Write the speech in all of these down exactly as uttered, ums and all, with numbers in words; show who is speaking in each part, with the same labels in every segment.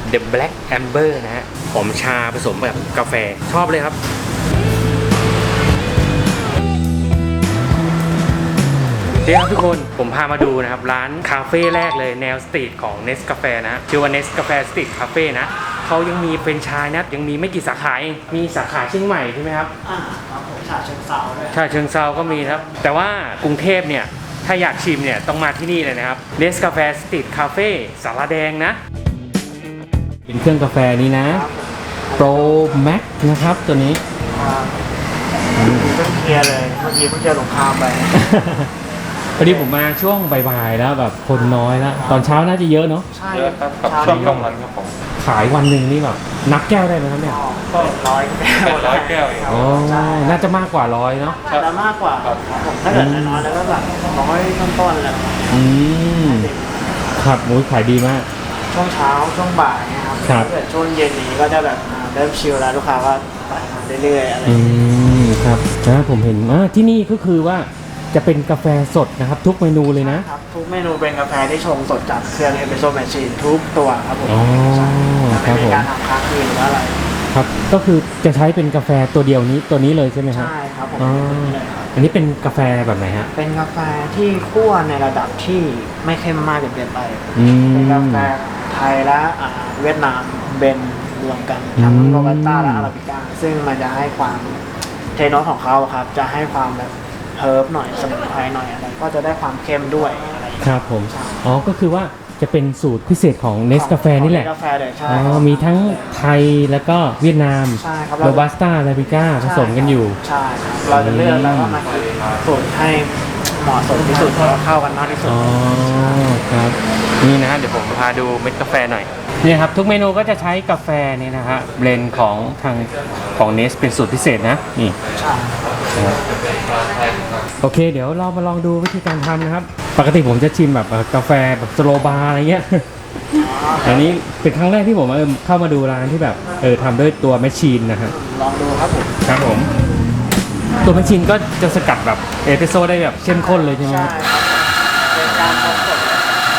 Speaker 1: The Black Amber นะฮะหอมชาผสมแบบกาแฟชอบเลยครับเดี๋ยวครับทุกคนผมพามาดูนะครับร้านคาเฟ่แรกเลยแนวสตรีทของ Nescafe นะชื่อว่า Nescafe Street Cafe นะเขายังมีเป็นชายนะยังมีไม่กี่สาขาเองมีสาขาเชียงใหม่ใช่ไหมครับ
Speaker 2: อ่าครับผมฉะเชิงเทราด้วย
Speaker 1: ฉะเชิงเทราก็มีครับแต่ว่ากรุงเทพเนี่ยถ้าอยากชิมเนี่ยต้องมาที่นี่เลยนะครับ Nescafe Street Cafe สาราแดงนะเป็นเครื่องกาแฟนี้นะ Pro Max นะครับตัวนี้
Speaker 2: เพิ่งเคลียร์เลยเมื่อกี้เพิ่งเจอสงครามไป
Speaker 1: พอดีผมมาช่วงบ่ายๆแล้วแบบคนน้อยแล้วตอนเช้าน่าจะเยอะเนาะ
Speaker 2: ใช่ครับ
Speaker 3: ช่วงกลางวันครับผม
Speaker 1: ขายวันหนึ่งนี่แบบนับแก้วได้ไหมครับเนี่ย
Speaker 2: ก็ร้อยแก้ว
Speaker 3: ร้อยแก้ว
Speaker 1: อ๋อน่าจะมากกว่าร้อยเนาะ
Speaker 2: จะมากกว่าครับผมถ้าเกิดน้อยแล้วก็แบบร้อยต้นๆเลย
Speaker 1: อืมครับมุ้ยขายดีมาก
Speaker 2: ช่วงเช้าช่วงบ่ายนะครับถ้าเกิดช่วงเย็นนี้ก็จะแบบเริ่มชิลแล้วลูกค้าก็ไปเรื่อยๆอะไร
Speaker 1: อืมครับนะผมเห็นว่าที่นี่ก็คือว่าจะเป็นกาแฟสดนะครับทุกเมนูเลยนะครับ
Speaker 2: ทุกเมนูเป็นกาแฟที่ชงสดจากเครื่องเอสเปรสโซ่แมชชีนทุกตัวครับผม
Speaker 1: อ๋อ
Speaker 2: ไม่มีการทำค้างคืนหรืออะไร
Speaker 1: ครับก็คือจะใช้เป็นกาแฟตัวเดียวนี้ตัวนี้เลยใช่ไหมครับ
Speaker 2: ใช่ครับผม
Speaker 1: อันนี้เป็นกาแฟแบบไหนฮะ
Speaker 2: เป็นกาแฟที่คั่วในระดับที่ไม่เข้มมากจนเกินไปเป็นกาแฟไทยและเวียดนามเบนรวมกันทั้งโรบัสต้าและอาราบิก้าซึ่งมันจะให้ความเทโนสของเขาครับจะให้ความแบบเฮิร์บหน่อยสมุนไพรหน่อยอะไรก็จะได้ความเข้มด้วยอะไร
Speaker 1: ครับผมอ๋อก็คือว่าจะเป็นสูตรพิเศษของเนสกาแฟนี่แหละ
Speaker 2: กาแฟเลยใช่
Speaker 1: อ๋อมีทั้งไทยแล้วก็เวียดนาม
Speaker 2: ใช่ครับ
Speaker 1: โรบัสต้าอาราบิก้าผสมกันอยู่
Speaker 2: ใช่ครับเราจะเลือกแล้วก็มาสูตรให้เหมาะสมที่สุดแล้วเข้ากันมากที่สุด
Speaker 1: อ๋อครับนี่นะเดี๋ยวผมพาดูเม็ดกาแฟหน่อยนี่ครับทุกเมนูก็จะใช้กาแฟนี่นะฮะเบลนด์ของทางของเนสเป็นสูตรพิเศษนะนี่
Speaker 2: ใช่
Speaker 1: โอเคเดี๋ยวเรามาลองดูวิธีการทำนะครับปกติผมจะชิมแบบกาแฟแบบสโลบาร์อะไรเงี้ยอันนี้เป็นครั้งแรกที่ผมเข้ามาดูร้านที่แบบเออทำด้วยตัวแมชชีนนะฮะ
Speaker 2: ลองดูครับผม
Speaker 1: ครับผมตัวแมชชีนก็จะสกัดแบบเอสเปรสโซ่ได้แบบเข้มข้นเลยใช่ไหม
Speaker 2: ใช่ครับเป็นการผสม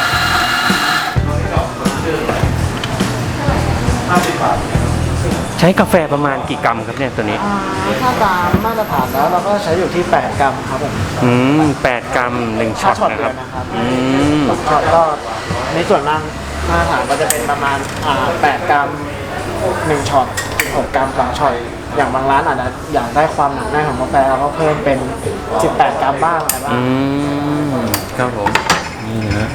Speaker 2: ห้าสิบบาท
Speaker 1: ใช้กาแฟประมาณกี่กรัมครับเนี่ยตัวนี้
Speaker 2: ถ้าตามมาตรฐานแล้วเราก็ใช้อยู่ที่แปดกรัมครับผม
Speaker 1: อืมแปดกรัมหนึ่งช็อตนะครับอืม
Speaker 2: ช็อตก็ในส่วนมากมาตรฐานก็จะเป็นประมาณอ่าแปดกรัมหนึ่งช็อตหกกรัมสองช็อตอย่างบางร้านอาจจะอยากได้ความหนักแน่นของกาแฟเราก็เพิ่มเป็นสิบแปดกรัมบ้างอะไรบ้าง
Speaker 1: อืมครับผมนี่นะ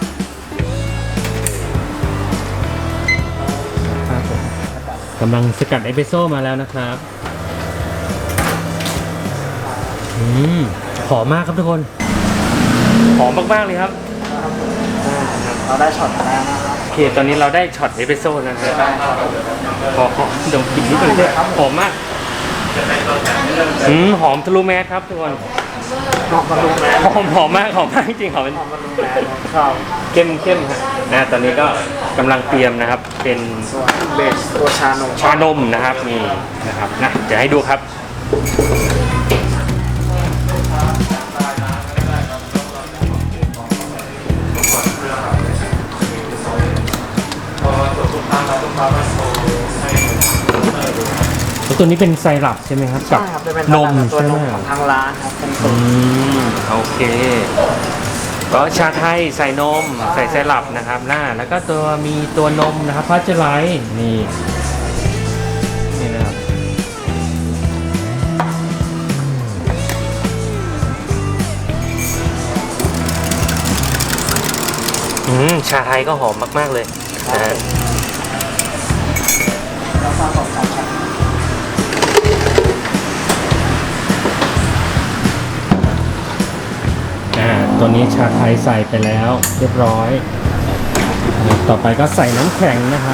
Speaker 1: กำลังสกัดเอสเปรสโซ่มาแล้วนะครับอืมหอมมากครับทุกคนหอมมากๆเลยครับ
Speaker 2: เราได้ช็อตมาแล้วนะครับ
Speaker 1: โอเคตอนนี้เราได้ช็อตเอสเปรสโซ่นะครับขอขอดมกลิ่นนิดนึงเลยครับหอมมากอืมหอมทะลุแมสครับทุกคน
Speaker 2: หอมทะลุแมส
Speaker 1: หอมหอมมากหอมมากจริงๆหอมเป็นเข้มเข้มฮะนะตอนนี้ก็กำลังเตรียมนะครับเป็น
Speaker 2: เบสตัวชานม
Speaker 1: ชานมนะครับนี่นะครับนะจะให้ดูครับตัวนี้เป็นไซรัปใช่ไหมครับกับนมใช่ไหม
Speaker 2: ของทางร้านครับเป็น
Speaker 1: ตัวโอเคก็ชาไทยใส่นมใส่ไซรัปนะครับหน้าแล้วก็ตัวมีตัวนมนะครับพัชไลท์นี่นี่นะครับอืมชาไทยก็หอมมากๆเลยนะตัวนี้ชาไทยใส่ไปแล้วเรียบร้อยต่อไปก็ใส่น้ำแข็งนะครับ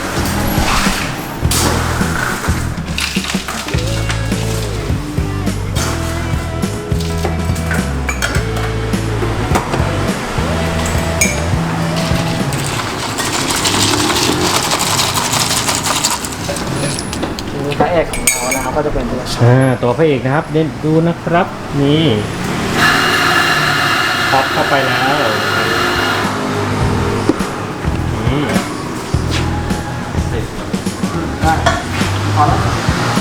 Speaker 2: พระเอกของเรานะครับก็จะเป็นตัว
Speaker 1: อ่าตัวพระเอกนะครับเด่นดูนะครับนี่พอปเข้าไปแล้ว
Speaker 2: ได้พอแล้ว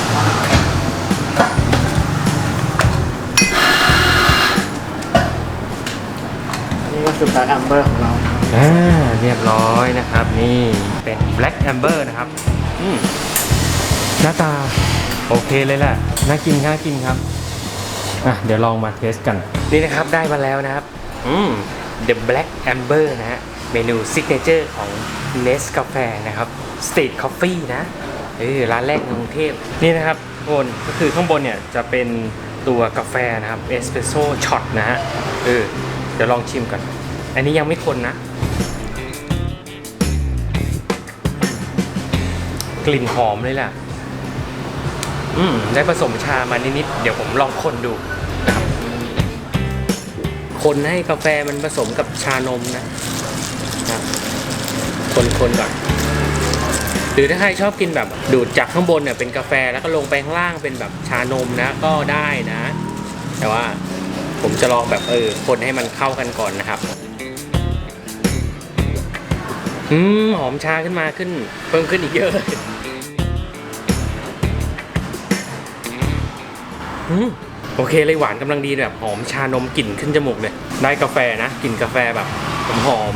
Speaker 2: นี่ก็คือแบล็คแอมเบอร์ของเรา
Speaker 1: อ่าเรียบร้อยนะครับนี่เป็น Black Amber นะครับอืมหน้าตาโอเคเลยแหละน่ากินน่ากินครับอ่ะเดี๋ยวลองมาเทสกันนี่นะครับได้มาแล้วนะครับอืม The Black Amber นะฮะเมนูซิกเนเจอร์ของ Nescafe นะครับ Street Coffee นะเออร้านแรกในกรุงเทพนี่นะครับทุกคนก็คือข้างบนเนี่ยจะเป็นตัวกาแฟนะครับเอสเปรสโซ่ช็อตนะฮะเออเดี๋ยวลองชิมก่อนอันนี้ยังไม่คนนะกลิ่นหอมเลยแหละอืมได้ผสมชามานิดๆเดี๋ยวผมลองคนดูนะครับคนให้กาแฟมันผสมกับชานมนะนะคนคนก่อนหรือถ้าใครชอบกินแบบดูดจากข้างบนเนี่ยเป็นกาแฟแล้วก็ลงไปข้างล่างเป็นแบบชานมนะก็ได้นะ แต่ว่าผมจะลองแบบเออคนให้มันเข้ากันก่อนนะครับอืมหอมชาขึ้นมาขึ้นเพิ่มขึ้นอีกเยอะเลยอืมโอเคเลยหวานกำลังดีแบบหอมชานมกลิ่นขึ้นจมูกเลยได้กาแฟนะกลิ่นกาแฟแบบหอม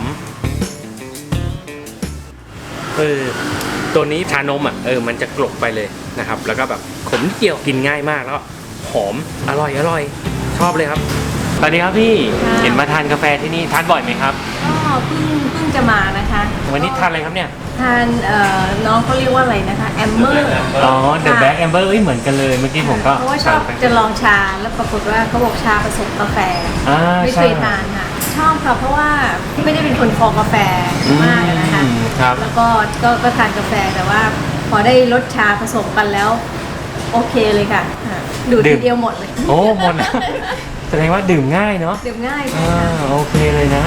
Speaker 1: เออตัวนี้ชานมอ่ะเออมันจะกลบไปเลยนะครับแล้วก็แบบขมนิดเดียวกินง่ายมากแล้วหอมอร่อยอร่อยชอบเลยครับสวัสดีครับพี่เห็นมาทานกาแฟที่นี่ทานบ่อยไหมครับ
Speaker 3: ก็เพิ่งเพิ่งจะมานะคะ
Speaker 1: วันนี้ทานอะไรครับเนี่ย
Speaker 3: ทานเอ่อน้องเขาเรียกว่าอะไรนะคะแอมเมอร์
Speaker 1: อ๋อ The Black Amber เอ้ยเหมือนกันเลยเมื่อกี้ผมก็
Speaker 3: เพราะว่าชอบจะลองชาแล้วปรากฏว่าเขาบอกชาผสมกาแฟไม่เคยทานค่ะชอบค่ะเพราะว่าไม่ได้เป็นคนคอกาแฟมากนะคะแล้วก็ก็ก็ทานกาแฟแต่ว่าพอได้รสชาผสมกันแล้วโอเคเลยค่ะดูดทีเดียวหมดเลย
Speaker 1: โอ้หมดแสดงว่าดื่มง่ายเนาะ
Speaker 3: ดื่มง่าย
Speaker 1: อ่าโอเคเลยนะ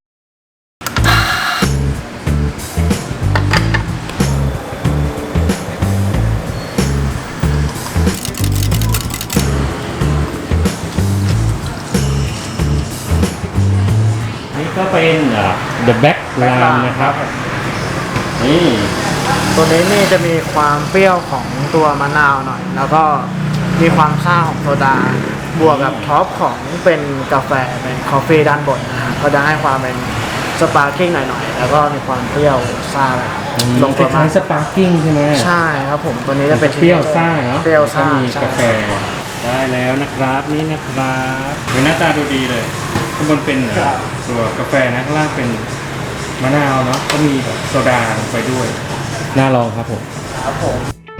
Speaker 1: นี่ก็เป็น The Black Lime นะครับนี่
Speaker 2: ตัวนี้นี่จะมีความเปรี้ยวของตัวมะนาวหน่อยแล้วก็มีความซ่าของโซดาบวกกับท็อปของเป็นกาแฟเป็นคอฟฟี่ด้านบนนะฮะก็จะให้ความเป็นสปาร์กิ้งหน่อยๆแล้วก็มีความเปรี้ยวซ่า
Speaker 1: ลงตัวมาสปาร์กิ้งใช่ไหม
Speaker 2: ใช่ครับผมตัวนี้จะเป็น
Speaker 1: เปรี้ยวซ่าเนาะ
Speaker 2: เปรี้ยวซ่า
Speaker 1: มีกาแฟได้แล้วนะครับนี่นะครับหน้าตาดูดีเลยข้างบนเป็นตัวกาแฟนะข้างล่างเป็นมะนาวเนาะก็มีแบบโซดาลงไปด้วยน่าลองครับผม
Speaker 2: ครับผม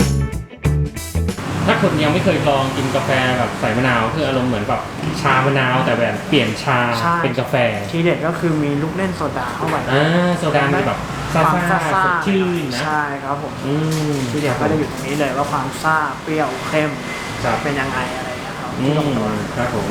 Speaker 1: ถ้าคนยังไม่เคยลองกินกาแฟแบบใส่มะนาวคืออารมณ์เหมือนแบบชามะนาวแต่แบบเปลี่ยนชาเป็นกาแฟ
Speaker 2: ทีเด็ดก็คือมีลูกเล่นโซดาเข้าไป
Speaker 1: อ่าโซดามีแบบซ่าซ่าสดชื่นนะ
Speaker 2: ใช่ครับผมทีเด็ดก็จะอยู่ตรงนี้เลยว่าความซ่าเปรี้ยวเข้มเป็นยังไงอะไรอย่างเงี้ยครับที่ลงตัว
Speaker 1: ครับผม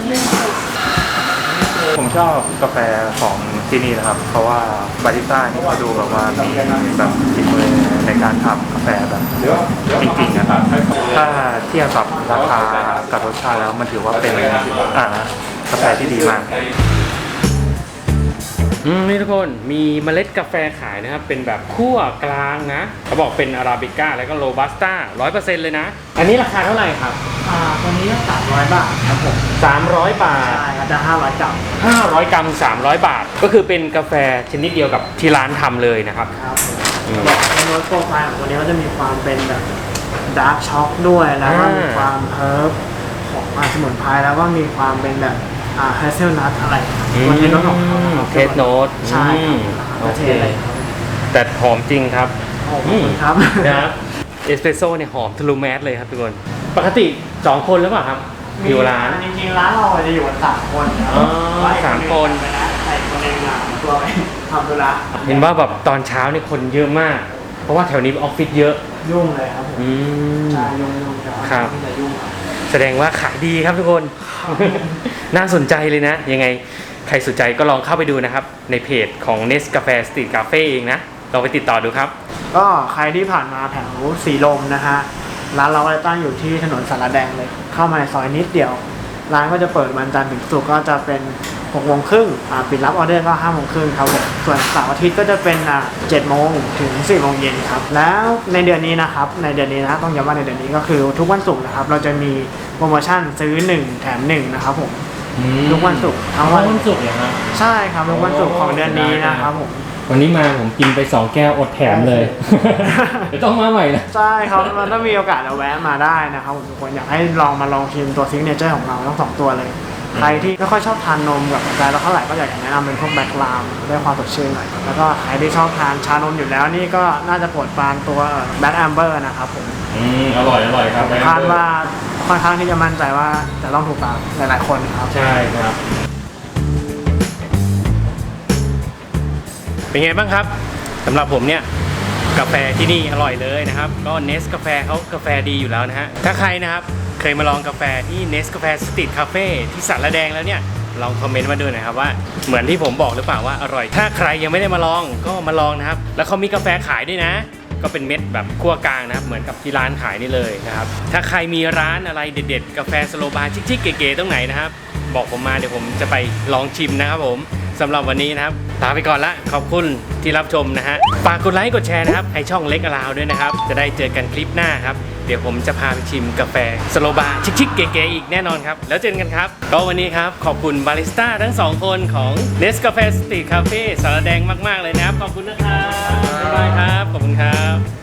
Speaker 4: ผมชอบกาแฟของที่นี่นะครับเพราะว่าบาริสต้านี่เขาดูแบบว่ามีแบบฝีมือในการทำกาแฟแบบจริงๆนะครับถ้าเทียบกับราคากับรสชาติแล้วมันถือว่าเป็นอ่ากาแฟที่ดีมาก
Speaker 1: อืมนี่ทุกคนมีเมล็ดกาแฟขายนะครับเป็นแบบคั่วกลางนะเขาบอกเป็นอาราบิก้าแล้วก็โรบัสต้าร้อยเปอร์เซ็นต์เลยนะอันนี้ราคาเท่าไหร่ครับ
Speaker 2: อ่าตัวนี้สามร้อยบาทครับผม
Speaker 1: สามร้อยบาท
Speaker 2: ใช่ครับจะห้าร้อยกรัม
Speaker 1: ห้าร้อยกรัมสามร้อยบาทก็คือเป็นกาแฟชนิดเดียวกับที่ร้านทำเลยนะครับ
Speaker 2: ครับในโน้ตโปรไฟล์ของตัวนี้ก็จะมีความเป็นแบบดาร์กช็อกด้วยแล้วก็มีความเฮิร์บของสมุนไพรแล้วก็มีความเป็นแบบอ่าเฮเซลนัทอะไร
Speaker 1: มันเป็นรสของเขาเคสโน้ต
Speaker 2: ใช่โอเค
Speaker 1: แต่หอมจริงครับ
Speaker 2: ขอบคุณครับ
Speaker 1: นะครับเอสเปรสโซ่เนี่ยหอมทะลุแมสเลยครับทุกคนปกติสองคนหรือเปล่าครับอยู่ร้าน
Speaker 2: จริงๆร้านเราจะอยู่กันสามคน
Speaker 1: อ๋อสามคน
Speaker 2: ใส่คนเองอ่ะตัวไปทำธุระ
Speaker 1: เห็นว่าแบบตอนเช้านี่คนเยอะมากเพราะว่าแถวนี้ออฟฟิศเยอะ
Speaker 2: ยุ่งเลยครับผมใช่ยุ่งยุ่ง
Speaker 1: ครับแสดงว่าขายดีครับทุกคนน่าสนใจเลยนะยังไงใครสนใจก็ลองเข้าไปดูนะครับในเพจของ Nescafe Street Cafe เองนะลองไปติดต่อดูครับ
Speaker 2: ก็ใครที่ผ่านมาแถวสีลมนะฮะร้านเราตั้งอยู่ที่ถนนสารแดงเลยเข้ามาในซอยนิดเดียวร้านก็จะเปิดวันจันทร์ถึงศุกร์ก็จะเป็นหกโมงครึ่งอ่าปิดรับออเดอร์ก็ห้าโมงครึ่งครับผมส่วนเสาร์อาทิตย์ก็จะเป็นอ่าเจ็ดโมงถึงสี่โมงเย็นครับแล้วในเดือนนี้นะครับในเดือนนี้นะต้องย้ำว่าในเดือนนี้ก็คือทุกวันศุกร์นะครับเราจะมีโปรโมชั่นซื้อหนึ่งแถมหนึ่งนะครับผมทุกวันศุกร์ทั้งวัน
Speaker 1: วันศุกร์เหรอครับ
Speaker 2: ใช่ครับทุกวันศุกร์ของเดือนนี้นะครับผม
Speaker 1: วันนี้มาผมกินไปสองแก้วอดแถมเลย เดี๋ยวต้องมาใหม่นะ
Speaker 2: ใช่ครับมันถ้ามีโอกาสเราแวะมาได้นะครับผมทุกคนอยากให้ลองมาลองชิมตัวซิกเนเจอร์ของเราทั้งสองตัวเลย ใครที่ไม่ค่อยชอบทานนมกับกาแฟแล้วเท่าไหร่ก็อยากแนะนำเป็นพวกแบล็คลามได้ความสดชื่นหน่อยแล้วก็ใครที่ชอบทานชานมอยู่แล้วนี่ก็น่าจะโปรดปรานตัวแบล็คแอมเบอร์นะครับผม
Speaker 1: อืมอร่อยอร่อยครับ
Speaker 2: คาดว่าค่อนข้างที่จะมั่นใจว่าจะต้องถูกปากหลายๆคนครับ
Speaker 1: ใช่ครับ เป็นไงบ้างครับสำหรับผมเนี่ยกาแฟที่นี่อร่อยเลยนะครับก็เนสกาแฟเขากาแฟดีอยู่แล้วนะฮะถ้าใครนะครับเคยมาลองกาแฟที่เนสกาแฟสตรีทคาเฟ่ที่สารแดงแล้วเนี่ยลองคอมเมนต์มาด้วยนะครับว่าเหมือนที่ผมบอกหรือเปล่าว่าอร่อยถ้าใครยังไม่ได้มาลองก็มาลองนะครับแล้วเขามีกาแฟขายด้วยนะก็เป็นเม็ดแบบคั่วกลางนะครับเหมือนกับที่ร้านขายนี่เลยนะครับถ้าใครมีร้านอะไรเด็ดๆกาแฟสโลบาร์ชิคๆเก๋ๆตรงไหนนะครับบอกผมมาเดี๋ยวผมจะไปลองชิมนะครับผมสำหรับวันนี้นะครับลาไปก่อนละขอบคุณที่รับชมนะฮะฝากกดไลค์กดแชร์นะครับให้ช่องเล็กอลาวด้วยนะครับจะได้เจอกันคลิปหน้าครับเดี๋ยวผมจะพาไปชิมกาแฟสโลบาร์ชิคๆเก๋ๆอีกแน่นอนครับแล้วเจอกันครับก็วันนี้ครับขอบคุณบาริสต้าทั้งสองคนของ Nescafe Street Cafe สารแดงมากๆเลยนะครับขอบคุณนะครับบ๊ายบายครับขอบคุณครับ